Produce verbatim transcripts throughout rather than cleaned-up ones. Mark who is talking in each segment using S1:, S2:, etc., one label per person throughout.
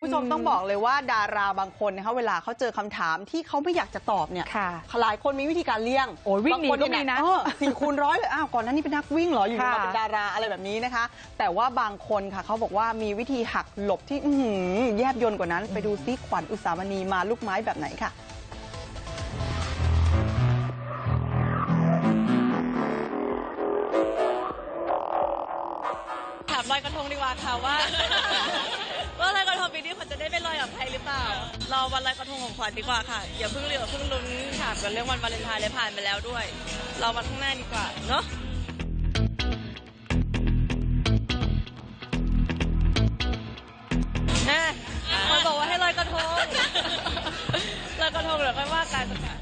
S1: ผู้ชมต้องบอกเลยว่าดาราบางคนนะคะเวลาเขาเจอคำถามที่เขาไม่อยากจะตอบเนี่ยหลายคนมีวิธีการเลี่ยง
S2: โอ้ยวิ่งหนีก็มีนะ
S1: สี่คูณร้อยเลยอ้าวก่อนหน้านี้เป็นนักวิ่งเหรออยู่มาเป็นดาราอะไรแบบนี้นะคะแต่ว่าบางคนค่ะเขาบอกว่ามีวิธีหักหลบที่แยบยลกว่านั้นไปดูซิขวัญอุสามณีมาลูกไม้แบบไหนค่ะ
S3: ถามลอยกระทงดีกว่าค่ะว่าว่าลอยกระทงปีนี้ขวัญจะได้ไปลอยกับใครหรือเปล่ารอวันลอยกระทงของขวัญดีกว่าค่ะอย่าเพิ่งเรียกเพิ่งลุ้นถามกันเรื่องวันวาเลนไทน์เลยผ่านไปแล้วด้วยรอวันข้างหน้าดีกว่าเนาะนะมันบอกว่าให้ลอยกระทงลอยกระทงเดี๋ยวค่อยว่ากันค่ะ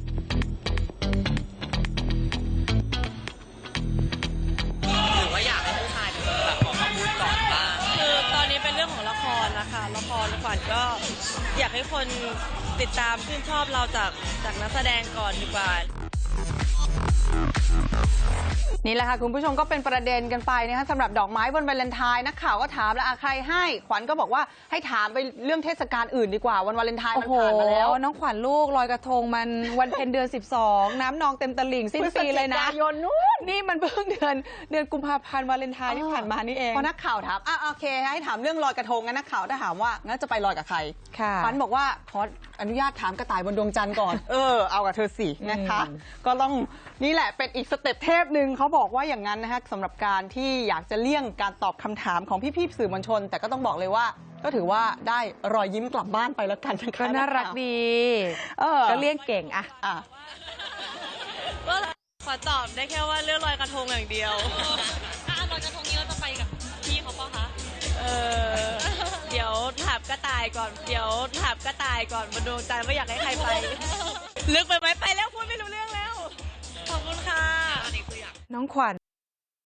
S4: หรือว่าอยากให้ผู้ชายแบบออกมาพูดก่อนบ้าง
S3: คือตอนนี้เป็นเรื่องของละครนะคะละครขวัญก็อยากให้คนติดตามชื่นชอบเราจากจากนักแสดงก่อนดีกว่า
S1: นี่แหละค่ะคุณผู้ชมก็เป็นประเด็นกันไปนะคะสำหรับดอกไม้วันวาเลนไทน์นักข่าวก็ถามแล้วใครให้ขวัญก็บอกว่าให้ถามไปเรื่องเทศกาลอื่นดีกว่าวันวาเลนไทน์มันผ่านมาแล้ว
S2: น้องขวัญลูกลอยกระทงมันวันเพ็ญเดือนสิบสองน้ำนองเต็มตลิ่งสิ้นปีเลยนะนี่มันเพิ่งเดือนเดือนกุมภาพันธ์วาเลนไทน์ที่ผ่านมานี่เอง
S1: พอนักข่าวถามอ่ะโอเคให้ถามเรื่องลอยกระทงงั้นนักข่าวถ้าถามว่างั้นจะไปลอยกับใครขวัญบอกว่าขออนุญาตถามกระต่ายบนดวงจันทร์ก่อนเออเอากับเธอสินะคะก็ต้องนี่แหละเป็นอีกสเต็ปเทพหนึ่งเขาบอกว่าอย่างนั้นนะคะสำหรับการที่อยากจะเลี่ยงการตอบคำถามของพี่ๆสื่อมวลชนแต่ก็ต้องบอกเลยว่าก็ถือว่าได้รอยยิ้มกลับบ้านไปแล้วกันนะคะ
S2: ก็น่ารักดีเออก็เลี่ยงเก่งอะ
S1: อ่ะ
S3: ก็ขอตอบได้แค่ว่าเรื่องลอยกระทงอย่างเดียว
S5: ถ้าลอยกระทงนี้เราจะไปกับพี่เขาเปล่าคะ
S3: เออเดี๋ยวถามกระต่ายก่อนเดี๋ยวถามกระต่ายก่อนบนดวงจันทร์ว่าอยากให้ใครไปลึกไปไหมไปแล้วพูดไม่รู้เรื่องแล้วขอบคุณค่ะ
S2: น้องขวัญ